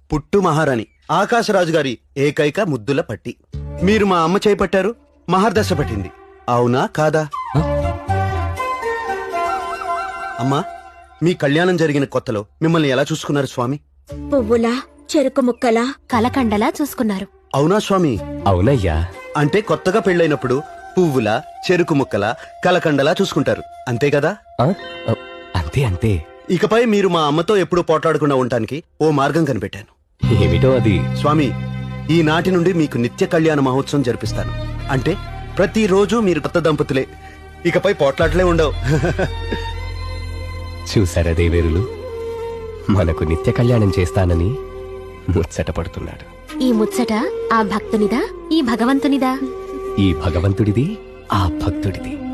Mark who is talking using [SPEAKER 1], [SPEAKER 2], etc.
[SPEAKER 1] పుట్టు మహారాణి ఆకాశరాజు గారి ఏకైక ముద్దుల పట్టి. మీరు మా అమ్మ చేపట్టారు, మహర్దశ పట్టింది. అవునా కాదా? అమ్మా, మీ కళ్యాణం జరిగిన కొత్తలో మిమ్మల్ని ఎలా చూసుకున్నారు స్వామి?
[SPEAKER 2] పువ్వులా, చెరుకు ముక్కలా,
[SPEAKER 3] కలకండలా చూసుకున్నారు.
[SPEAKER 1] అవునా స్వామి?
[SPEAKER 4] అవునయ్యా.
[SPEAKER 1] అంటే కొత్తగా పెళ్ళైనప్పుడు పువ్వుల, చెరుకు ముక్కల, కలకండలా చూసుకుంటారు, అంతే కదా?
[SPEAKER 4] ఆ? అంతే అంతే.
[SPEAKER 1] ఇకపై మీరు మా అమ్మతో ఎప్పుడూ పోట్లాడకుండా ఉండటానికి ఓ మార్గం కనిపెట్టాను.
[SPEAKER 4] ఏమిటో అది?
[SPEAKER 1] స్వామి, ఈనాటి నుండి మీకు నిత్య కళ్యాణ మహోత్సవం జరిపిస్తాను. అంటే ప్రతిరోజు మీరు కొత్త దంపతులే, ఇకపై పోట్లాటలే ఉండవు.
[SPEAKER 4] చూసారా దేవేరులు, మనకు నిత్య కళ్యాణం చేస్తానని ముచ్చట పడుతున్నాడు.
[SPEAKER 3] ఈ ముచ్చట ఆ భక్తునిదా, ఈ భగవంతునిదా?
[SPEAKER 4] ఈ భగవంతుడిది, ఆ భక్తుడిది.